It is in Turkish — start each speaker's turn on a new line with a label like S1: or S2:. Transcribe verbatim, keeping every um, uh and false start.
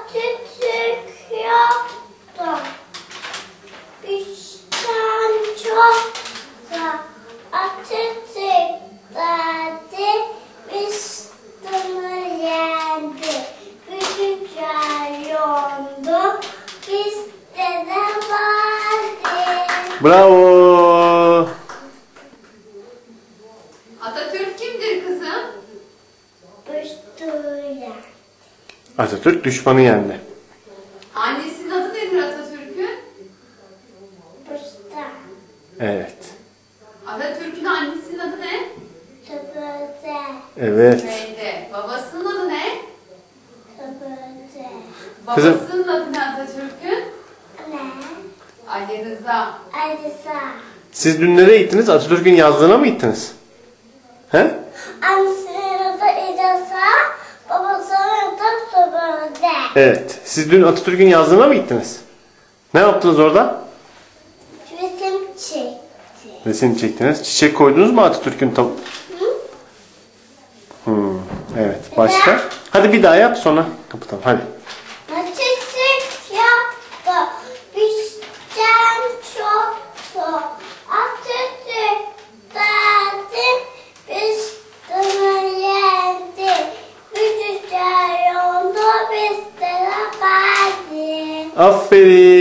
S1: Atatürk yoktu. Bizden çoktu. Atatürk derdi. Biz bunu yendi. Gücüce yondu. Bizde de vardı.
S2: Bravo.
S3: Atatürk kimdir kızım?
S1: Büstüyle.
S2: Atatürk düşmanı yendi.
S3: Annesinin adı nedir Atatürk'ün?
S1: Büstü.
S2: Evet.
S3: Atatürk'ün annesinin adı ne?
S1: Tıbıdı.
S2: Evet.
S3: Zübeyde. Babasının adı ne?
S1: Tıbıdı.
S2: Kızım.
S3: Babasının adı ne Atatürk'ün?
S1: Ne?
S3: Ali Rıza.
S1: Alisa.
S2: Siz dün nereye gittiniz? Atatürk'ün yazdığına mı gittiniz? He?
S1: Annesinin adı İdasa, babasının adı Tıbıdı.
S2: Evet. Siz dün Atatürk'ün yazdığına mı gittiniz? Ne yaptınız orada?
S1: Resim çekti.
S2: Resim çektiniz. Çiçek koydunuz mu Atatürk'ün tam... Hmm, evet. Başka? Hadi bir daha yap sonra kapatalım. Hadi.
S1: Atatürk yaptı. Bizden çoktu. Atatürk derdi. Biz bunu yendi. Gücüce yoldu. Bizde de vardı.
S2: Aferin.